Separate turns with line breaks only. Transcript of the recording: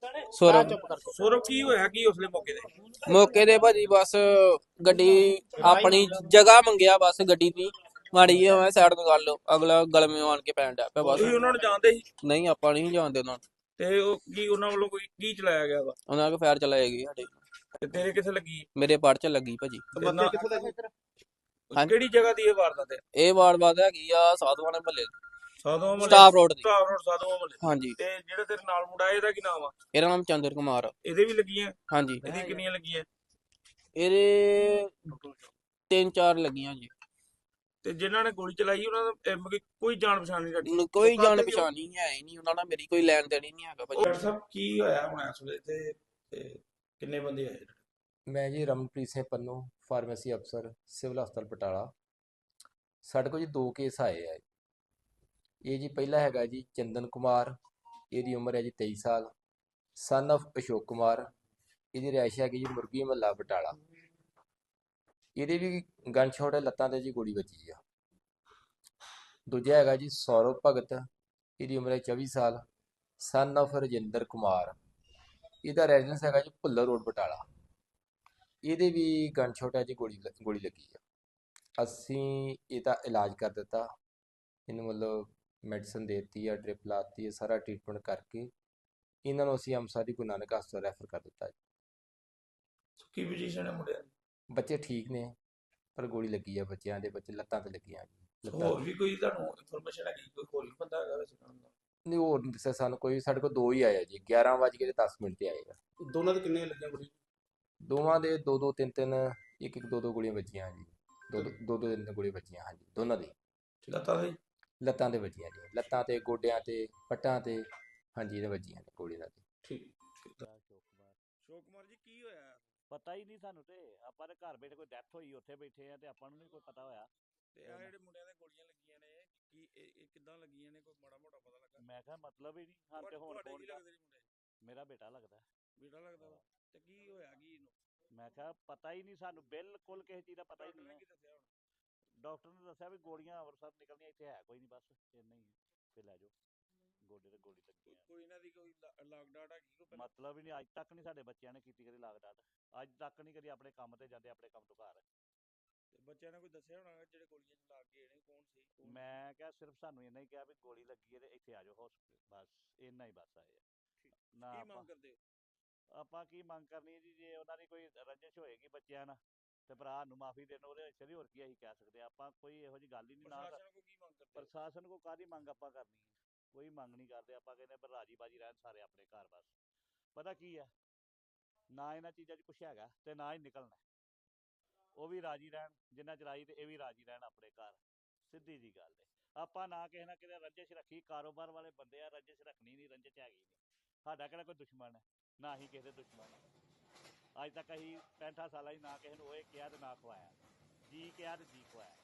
ਸੌਰਵ।
ਸੌਰਵ ਕੀ ਹੋਇਆ ਕੀ ਉਸਲੇ ਮੌਕੇ ਤੇ?
ਮੌਕੇ ਤੇ ਭਾਜੀ ਬਸ ਗੱਡੀ ਆਪਣੀ ਜਗ੍ਹਾ ਮੰਗਿਆ, ਬਸ ਗੱਡੀ ਦੀ ਮਾੜੀ ਜਿਹੀ ਮੈਂ ਸਾਈਡ ਤੋਂ ਕਰ ਲਓ, ਅਗਲਾ ਗਲਮੇ ਆਣ ਕੇ ਪੈਣ ਡਿਆ ਪਿਆ ਬਸ।
ਤੁਸੀਂ ਉਹਨਾਂ ਨੂੰ ਜਾਣਦੇ ਸੀ?
ਨਹੀਂ ਆਪਾਂ ਨਹੀਂ ਜਾਣਦੇ ਉਹਨਾਂ ਨੂੰ।
ਤੇ ਉਹ ਕੀ ਉਹਨਾਂ ਵੱਲੋਂ ਕੋਈ ਕੀ ਚਲਾਇਆ ਗਿਆ ਵਾ?
ਉਹਨਾਂ ਕੋਲ ਫਾਇਰ ਚਲਾਏਗੀ ਸਾਡੇ।
ਤੇ ਤੇਰੇ ਕਿੱਥੇ ਲੱਗੀ?
ਮੇਰੇ ਪੜ ਚ ਲੱਗੀ ਭਾਜੀ।
ਤੇ ਨਾ
ਕਿੱਥੋਂ ਦਾ ਜੀ?
ਹਾਂਜੀ।
ਕਿਹੜੀ ਜਗ੍ਹਾ ਦੀ ਇਹ ਵਾਰਦਾਤ ਹੈ?
ਇਹ ਵਾਰਦਾਤ ਹੈਗੀ ਆ ਸਾਧੂਆਂ ਦੇ ਮਹੱਲੇ
ਸਾਧੂਆਂ ਮਹੱਲੇ,
ਸਟਾਫ ਰੋਡ ਦੀ।
ਸਟਾਫ ਰੋਡ ਸਾਧੂਆਂ ਮਹੱਲੇ।
ਹਾਂਜੀ।
ਤੇ ਜਿਹੜਾ ਤੇਰੇ ਨਾਲ ਮੁੰਡਾ ਇਹਦਾ ਕੀ ਨਾਮ ਆ?
ਇਹਦਾ ਨਾਮ ਚੰਦਰ ਕੁਮਾਰ ਆ।
ਇਹਦੇ ਵੀ ਲੱਗੀਆਂ?
ਹਾਂਜੀ।
ਇਹਦੀ ਕਿੰਨੀਆਂ ਲੱਗੀਆਂ?
ਇਹਦੇ 3-4 ਲੱਗੀਆਂ ਜੀ।
ਤੇ ਜਿਨ੍ਹਾਂ ਨੇ ਗੋਲੀ ਚਲਾਈ ਉਹਨਾਂ ਦਾ ਕੋਈ ਜਾਣ ਪਛਾਣ ਨਹੀਂ ਸਾਡੀ?
ਕੋਈ ਜਾਣ ਪਛਾਣ ਨਹੀਂ ਹੈ ਹੀ ਨਹੀਂ ਉਹਨਾਂ ਨਾਲ, ਮੇਰੀ ਕੋਈ ਲੈਣ ਦੇਣ ਹੀ ਨਹੀਂ ਹੈਗਾ ਭਾਜੀ।
ਡਾਕਟਰ ਸਾਹਿਬ ਕੀ ਹੋਇਆ ਹੁਣ ਇਸ ਵੇਲੇ ਤੇ ਕਿੰਨੇ ਬੰਦੇ ਆਏ?
ਮੈਂ ਜੀ ਰਮਨਪ੍ਰੀਤ ਸਿੰਘ ਪੰਨੂ, ਫਾਰਮੇਸੀ ਅਫਸਰ, ਸਿਵਲ ਹਸਪਤਾਲ ਬਟਾਲਾ। ਸਾਡੇ ਕੋਲ ਜੀ 2 ਕੇਸ ਆਏ ਆ। ਇਹ ਜੀ ਪਹਿਲਾ ਹੈਗਾ ਜੀ ਚੰਦਨ ਕੁਮਾਰ, ਇਹਦੀ ਉਮਰ ਹੈ ਜੀ 23 ਸਾਲ, ਸਨ of ਅਸ਼ੋਕ ਕੁਮਾਰ। ਇਹਦੀ ਰਿਹਾਇਸ਼ ਹੈਗੀ ਜੀ ਮੁਰਗੀ ਮਹੱਲਾ ਬਟਾਲਾ। ਇਹਦੇ ਵੀ ਗਨ ਸ਼ਾਟ ਹੈ, ਲੱਤਾਂ ਤੇ ਜੀ ਗੋਲੀ ਵੱਜੀ ਆ। ਦੂਜਾ ਹੈਗਾ ਜੀ ਸੌਰਵ ਭਗਤ, ਇਹਦੀ ਉਮਰ ਹੈ 24 ਸਾਲ, ਸਨ of ਰਜਿੰਦਰ ਕੁਮਾਰ। ਇਹਦਾ ਰੈਜ਼ੀਡੈਂਸ ਹੈਗਾ ਜੀ ਭੁੱਲਰ ਰੋਡ ਬਟਾਲਾ। ਇਹਦੇ ਵੀ ਗਨ ਸ਼ਾਟ ਹੈ ਜੀ, ਗੋਲੀ ਲੱਗੀ ਆ। ਅਸੀਂ ਇਹਦਾ ਇਲਾਜ ਕਰ ਦਿੱਤਾ, ਇਹਨੂੰ ਮਤਲਬ ਮੈਡੀਸਨ ਦੇ ਦਿੱਤੀ ਆ, ਡ੍ਰਿਪ ਲਾਤੀ ਹੈ, ਸਾਰਾ ਟ੍ਰੀਟਮੈਂਟ ਕਰਕੇ ਇਹਨਾਂ ਨੂੰ ਅਸੀਂ ਅੰਮ੍ਰਿਤਸਰ ਦੀ ਗੁਰੂ ਨਾਨਕ ਹਸਪਤਾਲ ਰੈਫਰ ਕਰ ਦਿੱਤਾ ਜੀ।
ਕੀ ਪੋਜੀਸ਼ਨ ਹੈ ਮੁੰਡਿਆਂ ਦੀ?
ਬੱਚੇ ਠੀਕ ਨੇ, ਪਰ ਗੋਲੀ ਲੱਗੀ ਆ ਬੱਚਿਆਂ ਦੇ, ਬੱਚੇ ਲੱਤਾਂ ਤੇ ਲੱਗੀਆਂ ਜੀ।
ਹੋਰ ਵੀ ਕੋਈ ਤੁਹਾਨੂੰ ਇਨਫੋਰਮੇਸ਼ਨ ਹੈਗੀ ਕੋਈ ਹੋਰ ਵੀ ਬੰਦਾ ਹੈਗਾ ਵੈਸੇ ਕੰਮ ਦਾ?
ਨਹੀਂ, ਹੋਰ ਨਹੀਂ ਦੱਸਿਆ ਸਾਨੂੰ ਕੋਈ। ਸਾਡੇ ਕੋਲ 2 ਹੀ ਆਏ ਜੀ, 11:10 ਤੇ ਆਏਗਾ।
ਦੋਨਾਂ ਦੇ ਕਿੰਨੇ ਲੱਗੀਆਂ ਗੋਲੀ?
ਦੋਵਾਂ ਦੇ 2-2 3-3, 1-1 2-2 ਗੋਲੀਆਂ ਵੱਜੀਆਂ ਜੀ। 2-2 3 ਗੋਲੀਆਂ ਵੱਜੀਆਂ ਹਾਂਜੀ, ਦੋਨਾਂ ਦੀ ਲੱਤਾਂ ਤੇ ਵੱਜੀਆਂ ਜੀ, ਲੱਤਾਂ ਤੇ, ਗੋਡਿਆਂ ਤੇ, ਪੱਟਾਂ ਤੇ, ਹਾਂਜੀ ਇਹਦੇ ਵੱਜੀਆਂ ਨੇ ਗੋਲੀਆਂ ਦੀ।
ਠੀਕ।
ਸ਼ੋਕ ਕੁਮਾਰ
ਜੀ ਕੀ ਹੋਇਆ?
ਪਤਾ ਹੀ ਨਹੀਂ ਸਾਨੂੰ, ਤੇ ਆਪਾਂ ਦੇ ਘਰ ਬੈਠੇ ਕੋਈ ਡੈਥ ਹੋਈ ਉੱਥੇ ਬੈਠੇ ਆ ਤੇ ਆਪਾਂ ਨੂੰ ਨਹੀਂ ਕੋਈ ਪਤਾ ਹੋਇਆ।
ਤੇ ਆ ਜਿਹੜੇ ਮੁੰਡਿਆਂ ਦੇ ਗੋਲੀਆਂ ਲੱਗੀਆਂ ਨੇ ਕੀ ਇਹ ਕਿੱਦਾਂ ਲੱਗੀਆਂ ਨੇ, ਕੋਈ ਮਾੜਾ ਮੋਟਾ ਪਤਾ ਲੱਗਾ?
ਮੈਂ ਕਿਹਾ ਮਤਲਬ ਹੀ ਨਹੀਂ ਹਾਂ ਤੇ ਹੁਣ
ਤੁਹਾਡੇ ਕੀ ਲੱਗਦੇ ਨੇ ਮੁੰਡੇ?
ਮੇਰਾ ਬੇਟਾ ਲੱਗਦਾ।
ਬੇਟਾ ਲੱਗਦਾ ਵਾ? ਤੇ ਕੀ ਹੋਇਆ ਕੀ ਇਹਨੂੰ?
ਮੈਂ ਕਿਹਾ ਪਤਾ ਹੀ ਨਹੀਂ ਸਾਨੂੰ, ਬਿਲਕੁਲ ਕਿਸੇ ਚੀਜ਼ ਦਾ ਪਤਾ ਹੀ
ਡਾਕਟਰ ਨੇ
ਨਹੀਂ
ਕੀ ਦੱਸਿਆ ਹੁਣ?
ਡਾਕਟਰ ਨੇ ਦੱਸਿਆ ਵੀ ਗੋਲੀਆਂ ਅੰਮ੍ਰਿਤਸਰ ਨਿਕਲਣੀਆਂ, ਇੱਥੇ ਹੈ ਕੋਈ ਨਹੀਂ, ਬਸ ਇੰਨਾ ਹੀ ਤੇ ਲੈ ਜਾਓ। ਗੋਡੇ ਤੇ ਗੋਲੀ ਲੱਗੀ ਆ।
ਕੋਈ ਇਹਨਾਂ ਦੀ ਕੋਈ ਲਾਗ ਡਾਟ ਹੈਗੀ ਕੋਈ ਪਹਿਲਾਂ?
ਮਤਲਬ ਹੀ ਨਹੀਂ, ਅੱਜ ਤੱਕ ਨਹੀਂ ਸਾਡੇ ਬੱਚਿਆਂ ਨੇ ਕੀਤੀ ਕਦੀ ਲਾਗ ਡਾਟ, ਅੱਜ ਤੱਕ ਨਹੀਂ ਕਦੀ ਆਪਣੇ ਕੰਮ ਤੇ ਜਾਂਦੇ, ਆਪਣੇ ਕੰਮ ਤੋਂ ਘਰ।
ਤੇ ਬੱਚਿਆਂ ਨੇ ਕੋਈ ਦੱਸਿਆ ਹੋਣਾ ਜਿਹੜੇ ਗੋਲੀਆਂ ਚ ਲੱਗ ਗਏ ਨੇ ਕੌਣ ਸੀ?
ਮੈਂ ਕਿਹਾ ਸਿਰਫ ਸਾਨੂੰ ਇੰਨਾ ਹੀ ਕਿਹਾ ਵੀ ਗੋਲੀ ਲੱਗੀ ਹੈ ਤੇ ਇੱਥੇ ਆ ਜਾਓ ਹਸਪੀਟਲ, ਬਸ ਇੰਨਾ ਹੀ ਬਸ ਆਏ ਆ ਨਾ।
ਕੀ ਮੰਗ ਕਰਦੇ ਹੋ?
ਆਪਾਂ ਕੀ ਮੰਗ ਕਰਨੀ ਹੈ ਜੀ, ਜੇ ਉਹਨਾਂ ਦੀ ਕੋਈ ਰੰਜਿਸ਼ ਹੋਏਗੀ ਬੱਚਿਆਂ ਨਾਲ ਤੇ ਭਰਾ ਨੂੰ ਮਾਫੀ ਦੇਣ, ਉਹਦੇ ਵਿੱਚ ਹੋਰ ਕੀ ਅਸੀਂ ਕਹਿ ਸਕਦੇ ਆ। ਆਪਾਂ ਕੋਈ ਇਹੋ ਜਿਹੀ ਗੱਲ ਹੀ ਨਹੀਂ। ਨਾ
ਪ੍ਰਸ਼ਾਸਨ ਕੋ ਕੀ ਮੰਗ ਕਰਦੇ ਹੋ?
ਪ੍ਰਸ਼ਾਸਨ ਕੋ ਕਾਹਦੀ ਮੰਗ ਆਪਾਂ ਕਰਨੀ ਹੈ? ਕੋਈ ਮੰਗ ਨਹੀਂ ਕਰਦੇ ਆਪਾਂ, ਕਹਿੰਦੇ ਪਰ ਰਾਜੀ ਬਾਜੀ ਰਹਿਣ ਸਾਰੇ ਆਪਣੇ ਘਰ। ਬਸ ਪਤਾ ਕੀ ਆ, ਨਾ ਇਹਨਾਂ ਚੀਜ਼ਾਂ 'ਚ ਕੁਛ ਹੈਗਾ ਤੇ ਨਾ ਹੀ ਨਿਕਲਣਾ। ਉਹ ਵੀ ਰਾਜੀ ਰਹਿਣ ਜਿੰਨਾ ਚਲਾਈ, ਤੇ ਇਹ ਵੀ ਰਾਜੀ ਰਹਿਣ ਆਪਣੇ ਘਰ, ਸਿੱਧੀ ਜੀ ਗੱਲ ਹੈ। ਆਪਾਂ ਨਾ ਕਿਸੇ ਨਾ ਕਿਤੇ ਰੰਜਿਸ਼ ਰੱਖੀ, ਕਾਰੋਬਾਰ ਵਾਲੇ ਬੰਦੇ ਆ, ਰੰਜਿਸ਼ ਰੱਖਣੀ ਨਹੀਂ, ਰੰਜਿਸ਼ ਹੈਗੀ ਨਹੀਂ। ਸਾਡਾ ਕਿਹੜਾ ਕੋਈ ਦੁਸ਼ਮਣ ਹੈ, ਨਾ ਹੀ ਕਿਸੇ ਦੇ ਦੁਸ਼ਮਣ। ਅੱਜ ਤੱਕ ਅਸੀਂ 65 ਸਾਲਾਂ 'ਚ ਨਾ ਕਿਸੇ ਨੂੰ ਉਹ ਕਿਹਾ ਤੇ ਨਾ ਖਵਾਇਆ, ਜੀ ਕਿਹਾ ਤੇ ਜੀ ਖਵਾਇਆ।